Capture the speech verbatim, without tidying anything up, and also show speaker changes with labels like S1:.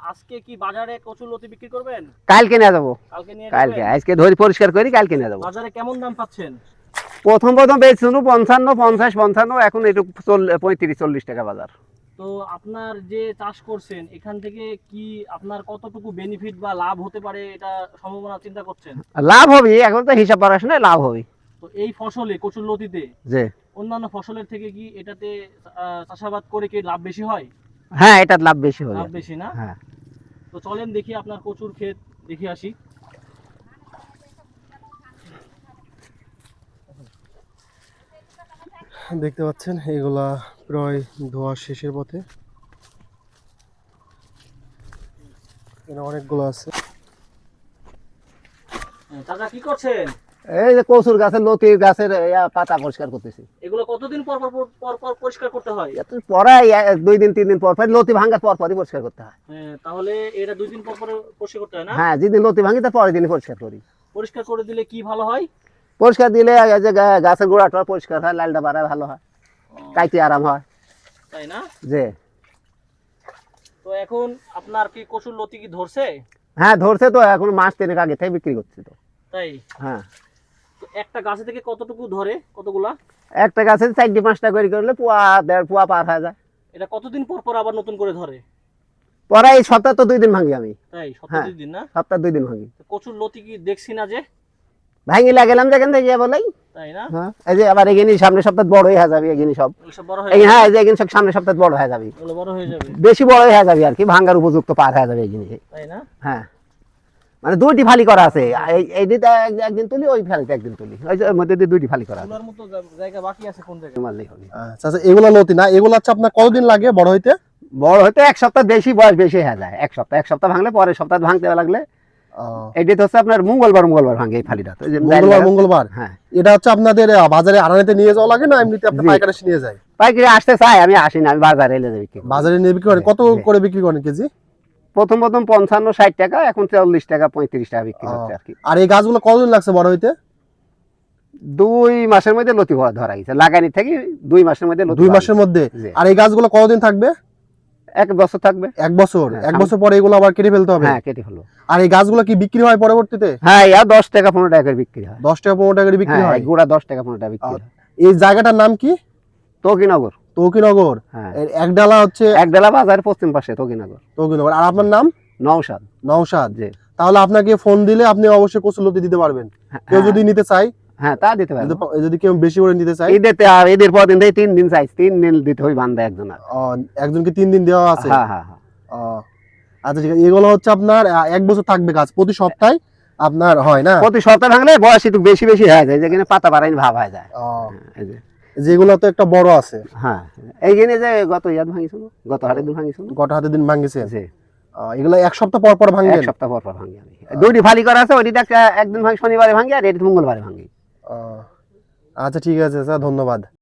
S1: আজকে কি বাজারে কচুর লতি বিক্রি করবেন?
S2: কালকে নিয়ে যাবো।
S1: কালকে নিয়ে
S2: কালকে
S1: যাবেন?
S2: আজকে ধরে পরিষ্কার করি কালকে নিয়ে যাবো।
S1: বাজারে কেমন দাম পাচ্ছেন?
S2: প্রথম প্রথম বেচছিল পঞ্চান্ন পঞ্চাশ পঞ্চান্ন, এখন একটু পঁয়ত্রিশ চল্লিশ টাকা বাজার।
S1: তো আপনার যে চাষ করছেন এখান থেকে কি আপনার কতটুকু বেনিফিট বা লাভ হতে পারে এটা সম্ভাবনা চিন্তা করছেন?
S2: লাভ হবে, এখন তো হিসাব পড়াশোনায় লাভ হবে।
S1: তো এই ফসলে কচুর লতিতে
S2: যে
S1: অন্যান্য ফসলের থেকে কি এটাতে আহ, চাষাবাদ করে কি লাভ বেশি হয়?
S2: হ্যাঁ, এটার লাভ বেশি হবে।
S1: লাভ বেশি না?
S2: হ্যাঁ,
S1: তো চলেন দেখি আপনার কচুর ক্ষেত দেখে আসি।
S3: দেখতে পাচ্ছেন এগুলা প্রায় ধোয়া শেষের পথে, এখানে অনেকগুলো আছে।
S1: চাচা কি করছেন?
S2: এই যে কচুর গাছের লতি গাছের ইয়া পাতা পরিষ্কার করতেছি।
S1: এগুলো কতদিন পর পর পর পর পরিষ্কার করতে হয়?
S2: এত পরাই দুই দিন তিন দিন পর পর লতি ভাঙার পর পরই পরিষ্কার করতে হয়।
S1: হ্যাঁ, তাহলে এটা দুই দিন পর পর পরিষ্কার করতে হয় না?
S2: হ্যাঁ, যেদিন লতি ভাঙি তার পরের দিনই পরিষ্কার করি।
S1: পরিষ্কার করে দিলে কি ভালো হয়?
S2: পরিষ্কার দিলে এই যে গা- গাছের গোড়াটা পরিষ্কার হয়, লালটা বাড়ায় ভালো হয়, কাইতে আরাম হয়।
S1: তাই না?
S2: যে
S1: তো এখন আপনার কি কচুর লতি কি ধরছে?
S2: হ্যাঁ, ধরছে তো, এখন মাস তিনেক আগে থেকে বিক্রি করছি তো।
S1: তাই?
S2: হ্যাঁ,
S1: তো একটা গাছে থেকে কতটুকু ধরে, কতগুলা?
S2: একটা গাছে চারটি পাঁচটা করে করলে পোয়া দেড় পোয়া পার হয়ে যায়।
S1: এটা কতদিন পর পর আবার নতুন করে ধরে?
S2: পরে এই সপ্তাহ তো দুই দিন ভাঙি আমি।
S1: তাই সপ্তাহে
S2: হ্যাঁ।
S1: দুই দিন না?
S2: সপ্তাহ দুই দিন ভাঙি।
S1: তো কচুর লতি কি দেখছি না যে?
S2: ভাঙি লাগেলাম যেখান থেকে গিয়ে বলেই।
S1: তাই না?
S2: হ্যাঁ, এই যে আবার এগিনি সামনে সপ্তাহ বড় হয়ে যাবে, এগিনি সব
S1: এগুলো সব বড় হয়ে
S2: এই
S1: যাবে?
S2: হ্যাঁ, এই যে এগিনি সব সামনে সপ্তাহ বড় হয়ে যাবে,
S1: এগুলো বড় হয়ে যাবে?
S2: বেশি বড় হয়ে যাবে আর কি, ভাঙার উপযুক্ত পার হয়ে যাবে এগিনি।
S1: তাই না?
S2: হ্যাঁ, মানে দুইটি ফালি করা আছে, এই এইটিতে এক- একদিন তুলি, ওই ফালিতে একদিন তুলি, ওই যে ওর মধ্যে দিয়ে দুইটি ফালি করা আছে।
S1: এগুলোর মতো জা- জায়গা বাকি আছে কোন জায়গায়?
S2: মারলেই হবে।
S3: আচ্ছা আচ্ছা, এগুলা লতি না, এগুলো হচ্ছে আপনার কতদিন লাগে বড় হইতে?
S2: বড় হতে এক সপ্তাহ বেশি, বয়স বেশি হয়ে যায়। এক সপ্তাহ এক সপ্তাহ ভাঙলে পরের সপ্তাহ ভাঙতে লাগলে
S3: আহ,
S2: এটি তো হচ্ছে আপনার মঙ্গলবার মঙ্গলবার ভাঙে এই ফালিটা। তো এই যে
S3: মঙ্গলবার মঙ্গলবার
S2: হ্যাঁ,
S3: এটা হচ্ছে আপনাদের আহ, বাজারে আড়ানিতে নিয়ে যাওয়া লাগে না এমনিতে আপনি
S2: জি।
S3: পাইকারি এসে নিয়ে যায়?
S2: পাইকারি আসতে চাই, আমি আসি না, আমি বাজারে এলে বিক্রি করি।
S3: বাজারে নিয়ে বিক্রি করেন কত
S2: জি।
S3: করে বিক্রি করেন কেজি?
S2: প্রথম প্রথম পঞ্চান্ন ষাট টাকা, এখন চল্লিশ টাকা পঁয়ত্রিশ টাকা বিক্রি হচ্ছে আর কি।
S3: আর এই গাছগুলো কতদিন লাগছে বড় হইতে?
S2: দুই মাসের মধ্যে লতি ভরা ধরা গেছে, লাগানি থেকে দুই মাসের মধ্যে লতি
S3: দুই
S2: ভরা
S3: মাসের মধ্যে।
S2: জি।
S3: আর এই গাছগুলো কতদিন থাকবে?
S2: গেছে। এক বছর থাকবে।
S3: এক বছর।
S2: হ্যাঁ,
S3: এক
S2: সাম-
S3: বছর পরে এগুলো আবার কেটে ফেলতে হবে?
S2: হ্যাঁ, কেটে হলো।
S3: আর এই গাছগুলো কি বিক্রি হয় পরবর্তীতে?
S2: হ্যাঁ, ইয়া দশ টাকা পনেরো টাকা করে বিক্রি হয়।
S3: দশ টাকা পনেরো টাকা করে বিক্রি
S2: হ্যাঁ,
S3: হয়?
S2: এই গুড়া দশ টাকা পনেরো টাকা বিক্রি
S3: আর
S2: হয়।
S3: এই জায়গাটার নাম কি?
S2: তকিনগর।
S3: তৌকিনগর।
S2: হ্যাঁ,
S3: এর এক ডালা হচ্ছে
S2: এক ডেলা বাজার পশ্চিম পাশে তকিনগর।
S3: তৌকিনগর। আর আপনার নাম?
S2: নওশাদ।
S3: নওশাদ।
S2: জি।
S3: তাহলে আপনাকে ফোন দিলে আপনি অবশ্যই কচুলতি দিতে পারবেন। কেউ
S2: হ্যাঁ,
S3: যদি নিতে চায়,
S2: হ্যাঁ, তা দিতে পারবো।
S3: যদি- যদি কেউ বেশি করে নিতে চায়,
S2: ঈদেতে আর ঈদের পর দিন থেকে তিন দিন চাই, তিন দিন দিতে হয় বান্ধা একজন আর।
S3: আহ, একজনকে তিন দিন দেওয়া আছে।
S2: হ্যাঁ, হ্যাঁ, হ্যাঁ।
S3: আহ, আচ্ছা ঠিক আছে, এগুলো হচ্ছে আপনার আহ, এক বছর থাকবে গাছ, প্রতি সপ্তাহে আপনার হয় না?
S2: প্রতি সপ্তাহে ভাঙলে বয়স একটু বেশি বেশি হয়ে যায়, যেখানে পাতা বাড়াইনি ভাব হয়ে যায়।
S3: আহ,
S2: এই যে
S3: যেগুলো তো একটা বড় আছে,
S2: হ্যাঁ, এইখানে যে গত ইয়াদ ভাঙিছিল, গত হাটের দিন ভাঙিছিল।
S3: গোটা হাতে দিন ভাঙিছে।
S2: জি,
S3: এগুলো এক সপ্তাহ পর পর
S2: এক
S3: ভাঙবেন?
S2: সপ্তাহ পর পর ভাঙি আমি। দুইটি ফালি করা আছে, ওইটা একদিন ভাঙি শনিবারে ভাঙি, আর এটি মঙ্গলবারে ভাঙি।
S3: আহ, আচ্ছা ঠিক আছে স্যার, ধন্যবাদ।